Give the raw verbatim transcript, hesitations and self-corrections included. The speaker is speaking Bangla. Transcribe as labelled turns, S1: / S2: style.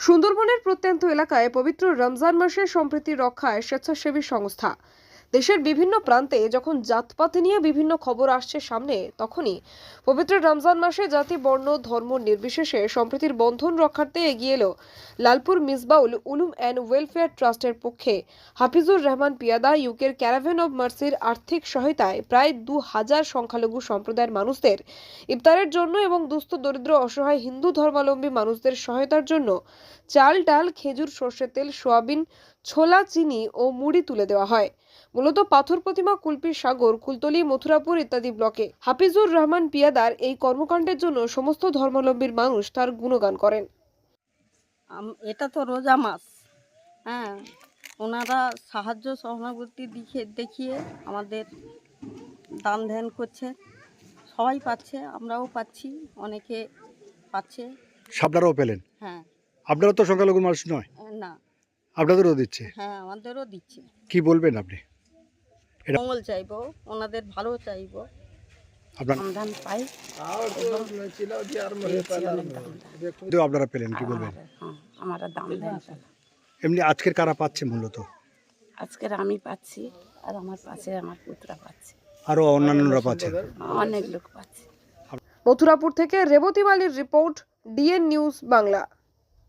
S1: সুন্দরবনের প্রত্যন্ত এলাকায় পবিত্র রমজান মাসের সম্প্রীতি রক্ষায় স্বেচ্ছাসেবী সংস্থা দেশের বিভিন্ন প্রান্তে যখন জাতপাত নিয়ে বিভিন্ন খবর আসছে সামনে, তখনই পবিত্র রমজান মাসে জাতি, বর্ণ, ধর্ম নির্বিশেষে সম্প্রীতির বন্ধন রক্ষার্থে এগিয়ে এলো লালপুর মিসবাউল উলুম অ্যান্ড ওয়েলফেয়ার ট্রাস্টের পক্ষে হাফিজুর রহমান পিয়াদা ইউকের ক্যারাভেন অব মার্সির আর্থিক সহায়তায় প্রায় দু হাজার সংখ্যালঘু সম্প্রদায়ের মানুষদের ইফতারের জন্য এবং দুস্থ দরিদ্র অসহায় হিন্দু ধর্মাবলম্বী মানুষদের সহায়তার জন্য চাল, ডাল, খেজুর, সর্ষের তেল, সোয়াবিন, ছোলা, চিনি ও মুড়ি তুলে দেওয়া হয়। মূলত পাথর প্রতিমা, কুলপি সাগর, কুলতলি, মথুরাপুর ইত্যাদি ব্লকে হাফিজুর রহমান পিয়াদার এই কর্মকাণ্ডের জন্য সমস্ত ধর্মাবলম্বীর মানুষ তার গুণগান করেন।
S2: এটা তো রোজা মাস, হ্যাঁ, ওনারা সাহায্য সহানুভূতি দেখিয়ে দেখিয়ে আমাদের দান ধ্যান করছে, সবাই পাচ্ছে, আমরাও পাচ্ছি, অনেকে পাচ্ছে।
S3: আপনারাও পেলেন?
S2: হ্যাঁ।
S3: আপনারা তো সংখ্যালঘু মানুষ নয়?
S2: না।
S3: আপনাদেরও দিচ্ছে?
S2: হ্যাঁ, আমাদেরও দিচ্ছে।
S3: কি বলবেন আপনি?
S2: মঙ্গল চাইবো, ওনাদের ভালো চাইবো।
S3: আপনার
S2: দান পাই,
S3: আপনারা পেলেন, কি বলবেন?
S2: আমরা দান ধ্যান
S3: এমনি আজকের কারা পাচ্ছে মূলত?
S2: আজকের আমি পাচ্ছি, আর আমার পাশে আমার পুত্রা পাচ্ছে,
S3: আরো অন্যান্যরা পাচ্ছেন,
S2: অনেক লোক পাচ্ছে।
S1: মথুরাপুর থেকে রেবতী মালির রিপোর্ট, ডিএন নিউজ বাংলা।